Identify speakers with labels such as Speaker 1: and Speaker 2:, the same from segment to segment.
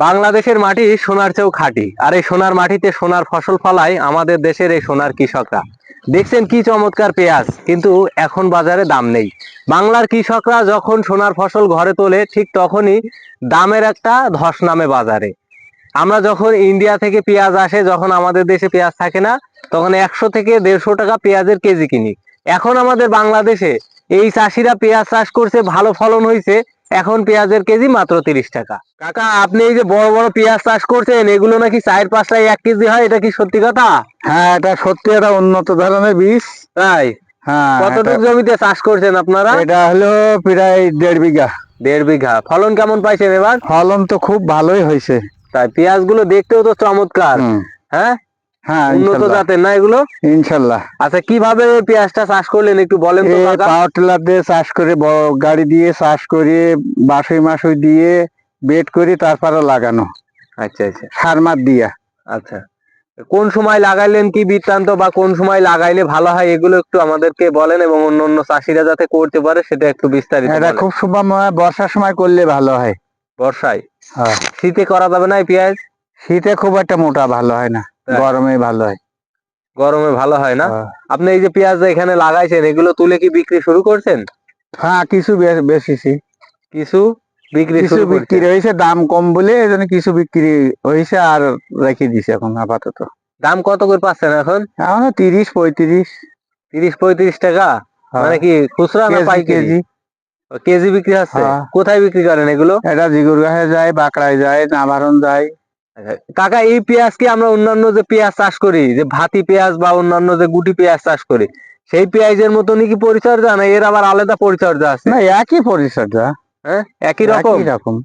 Speaker 1: বাংলাদেশের মাটি সোনার চেয়েও খাঁটি, আর এই সোনার মাটিতে সোনার ফসল ফলায় আমাদের দেশের এই সোনার কৃষকরা। দেখছেন কি চমৎকার পেঁয়াজ, কিন্তু এখন বাজারে দাম নেই। বাংলার কৃষকরা যখন সোনার ফসল ঘরে তোলে, ঠিক তখনই দামের একটা ধস নামে বাজারে। আমরা যখন ইন্ডিয়া থেকে পেঁয়াজ আসে, যখন আমাদের দেশে পেঁয়াজ থাকে না, তখন 100 থেকে 150 টাকা পেঁয়াজের কেজি কিনি। এখন আমাদের বাংলাদেশে এই চাষিরা পেঁয়াজ চাষ করছে, ভালো ফলন হয়েছে, এখন পেঁয়াজের কেজি মাত্র 30 টাকা। কাকা, আপনি এই যে বড় বড় পেঁয়াজ চাষ করছেন, এগুলো নাকি 4-5টায় 1 কেজি হয়, এটা কি সত্যি কথা?
Speaker 2: হ্যাঁ, এটা সত্যি একটা উন্নত ধরনের বীজ।
Speaker 1: তাই?
Speaker 2: হ্যাঁ।
Speaker 1: কতটুকু জমিতে চাষ করছেন আপনারা?
Speaker 2: এটা হলো প্রায় 1.5 বিঘা।
Speaker 1: 1.5 বিঘা। ফলন কেমন পাইছেন এবার?
Speaker 2: ফলন তো খুব ভালোই হয়েছে।
Speaker 1: তাই? পেঁয়াজ গুলো দেখতেও তো চমৎকার। হ্যাঁ,
Speaker 2: হ্যাঁ,
Speaker 1: উন্নত জাতের না এগুলো?
Speaker 2: ইনশাল্লাহ।
Speaker 1: আচ্ছা, কিভাবে পেঁয়াজটা চাষ করলেন একটু বলেন তো কাকা।
Speaker 2: পাওয়ার টিলার দিয়ে চাষ করে, বড় গাড়ি দিয়ে চাষ করে, বাসুই দিয়ে বেড করে তারপরে লাগানো।
Speaker 1: আচ্ছা আচ্ছা।
Speaker 2: সার মার দিয়া।
Speaker 1: আচ্ছা, কোন সময় লাগাইলেন, কি বৃত্তান্ত, বা কোন সময় লাগাইলে ভালো হয়, এগুলো একটু আমাদেরকে বলেন, এবং অন্য চাষিরা যাতে করতে পারে সেটা একটু বিস্তারিত
Speaker 2: এটা
Speaker 1: বলেন।
Speaker 2: খুব সময় বর্ষার সময় করলে ভালো হয়।
Speaker 1: বর্ষায়?
Speaker 2: হ্যাঁ।
Speaker 1: শীতে করা যাবে না এই পেঁয়াজ?
Speaker 2: শীতে খুব একটা মোটা ভালো হয় না, গরমে ভালো হয়।
Speaker 1: গরমে ভালো হয় না? আপনি এই যে পেঁয়াজ এখানে লাগাইছেন, এগুলো তুলে কি বিক্রি শুরু করছেন?
Speaker 2: হ্যাঁ, কিছু বেশিছি।
Speaker 1: কিছু
Speaker 2: বিক্রি হয়েছে, দাম কম বলে এই জন্য কিছু বিক্রি হয়েছে, আর রেখে দিছে এখন আপাতত।
Speaker 1: দাম কত করে পাচ্ছেন এখন?
Speaker 2: এখন 30-35।
Speaker 1: 30-35 টাকা? মানে কি খুচরা না পাইকারি? কেজি বিক্রি হচ্ছে? কোথায় বিক্রি করেন এগুলো?
Speaker 2: এটা জিগুরগাঁয়ে যায়, বাঁকড়ায় যায়, নাভারণ যায়।
Speaker 1: কাকা, এই পেঁয়াজ কি আমরা অন্যান্য যে পেঁয়াজ চাষ করি, যে ভাতি পেঁয়াজ বা অন্যান্য যে গুটি পেঁয়াজ চাষ করি, সেই পেঁয়াজের মতনই কি পরিচর্যা, না এর আবার আলাদা পরিচর্যা আছে?
Speaker 2: না, একই পরিচর্যা।
Speaker 1: হ্যাঁ, একই রকম।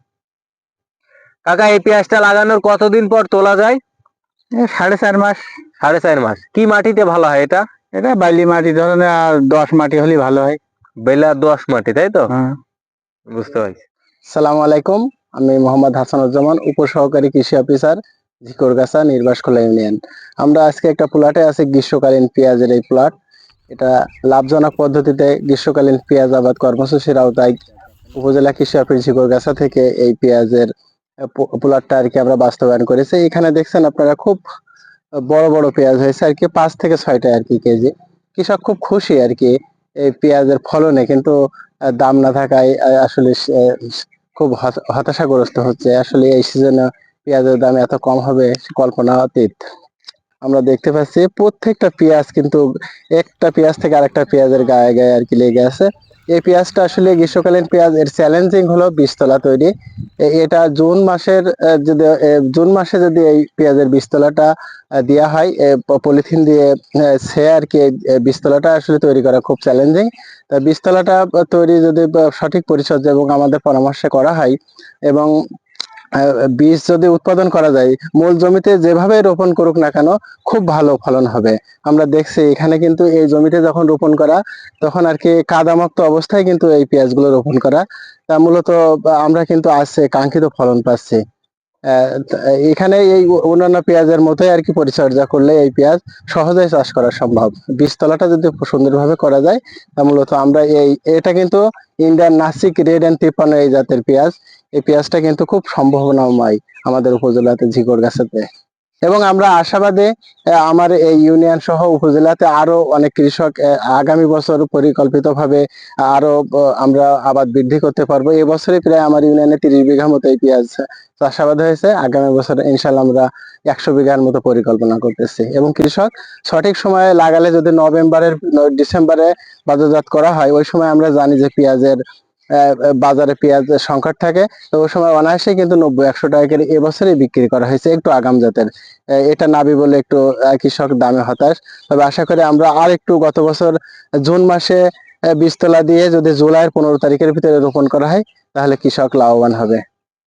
Speaker 1: কাকা, এই পেঁয়াজটা লাগানোর কতদিন পর তোলা যায়?
Speaker 2: 4.5 মাস।
Speaker 1: 4.5 মাস। কি মাটিতে ভালো হয় এটা?
Speaker 2: এটা বালি মাটি ধরনের, আর 10 মাটি হলে ভালো হয়।
Speaker 1: বেলা 10 মাটি, তাই তো? বুঝতে পারছি।
Speaker 3: সালামু আলাইকুম, আমি মোহাম্মদ হাসানুজ্জামান, উপসহকারী কৃষি অফিসার, ঝিকরগাছা, নির্বাসখোলা ইউনিয়ন। আমরা আজকে একটা প্লটে আছি, গ্রীষ্মকালীন পেঁয়াজের এই প্লট। এটা লাভজনক পদ্ধতিতে গ্রীষ্মকালীন পেঁয়াজ আবাদ কর্মসূচির আওতায় উপজেলা কৃষি অফিস ঝিকরগাছা থেকে এই পেঁয়াজের প্লটটা আর কি আমরা বাস্তবায়ন করেছি। এখানে দেখছেন আপনারা, খুব বড় বড় পেঁয়াজ হয়েছে আর কি, 5 থেকে 6টা আর কি কেজি। কৃষক খুব খুশি আর কি এই পেঁয়াজের ফলনে, কিন্তু দাম না থাকায় আসলে খুব হতাশাগ্রস্ত হচ্ছে। আসলে এই সিজনে পেঁয়াজের দাম এত কম হবে কল্পনা অতীত। আমরা দেখতে পাচ্ছি প্রত্যেকটা পেঁয়াজ কিন্তু একটা পেঁয়াজ থেকে আরেকটা পেঁয়াজের গায়ে গায়ে আর কি লেগে আছে। এই পেঁয়াজটা আসলে গ্রীষ্মকালীন পেঁয়াজ, এর চ্যালেঞ্জিং হলো বীজতলা তৈরি। এটা জুন মাসে যদি এই পেঁয়াজের বীজতলাটা দেওয়া হয় পলিথিন দিয়ে, সে আর কি বীজতলাটা আসলে তৈরি করা খুব চ্যালেঞ্জিং। তা বীজতলাটা তৈরি যদি সঠিক পরিচর্যা এবং আমাদের পরামর্শে করা হয়, এবং বীজ যদি উৎপাদন করা যায়, মূল জমিতে যেভাবে রোপণ করুক না কেন খুব ভালো ফলন হবে। আমরা দেখছি এখানে কিন্তু এই জমিতে যখন রোপণ করা, তখন আর কি কাদামুক্ত অবস্থায় কিন্তু এই পেঁয়াজগুলো রোপণ করা, তা মূলত আমরা কিন্তু আজকে কাঙ্ক্ষিত ফলন পাচ্ছি। এখানে এই অন্যান্য পেঁয়াজের মতোই আর কি পরিচর্যা করলে এই পেঁয়াজ সহজেই চাষ করা সম্ভব। বীজতলাটা যদি সুন্দরভাবে করা যায়, তা মূলত আমরা এটা কিন্তু ইন্ডিয়ান নাসিক রেড এন্ড 53 এই জাতের পেঁয়াজ। এই পেঁয়াজটা কিন্তু খুব সম্ভাবনাময় আমাদের উপজেলাতে, ঝিকরগাছাতে। এবং আমরা আশাবাদী আমার এই ইউনিয়ন সহ উপজেলাতে আরো অনেক কৃষক আগামী বছর পরিকল্পিতভাবে আরো আমরা আবাদ বৃদ্ধি করতে পারবো। এবছরে প্রায় আমার ইউনিয়নে 30 বিঘা মতো এই পেঁয়াজ চাষাবাদ হয়েছে। আগামী বছর ইনশাল্লাহ আমরা 100 বিঘার মতো পরিকল্পনা করতেছি। এবং কৃষক সঠিক সময়ে লাগালে, যদি ডিসেম্বরে বাজারজাত করা হয়, ওই সময় আমরা জানি যে পেঁয়াজের বাজারে পেঁয়াজের সংকট থাকে, তো ওই সময় অনায়াসে কিন্তু 90-100 টাকা করে এবছরই বিক্রি করা হয়েছে একটু আগাম জাতের। এটা নাবি বলে একটু কৃষক দামে হতাশ। তবে আশা করি আমরা আর একটু, গত বছর জুন মাসে বীজতলা দিয়ে যদি জুলাইয়ের 15 তারিখের ভিতরে রোপণ করা হয়, তাহলে কৃষক লাভবান হবে।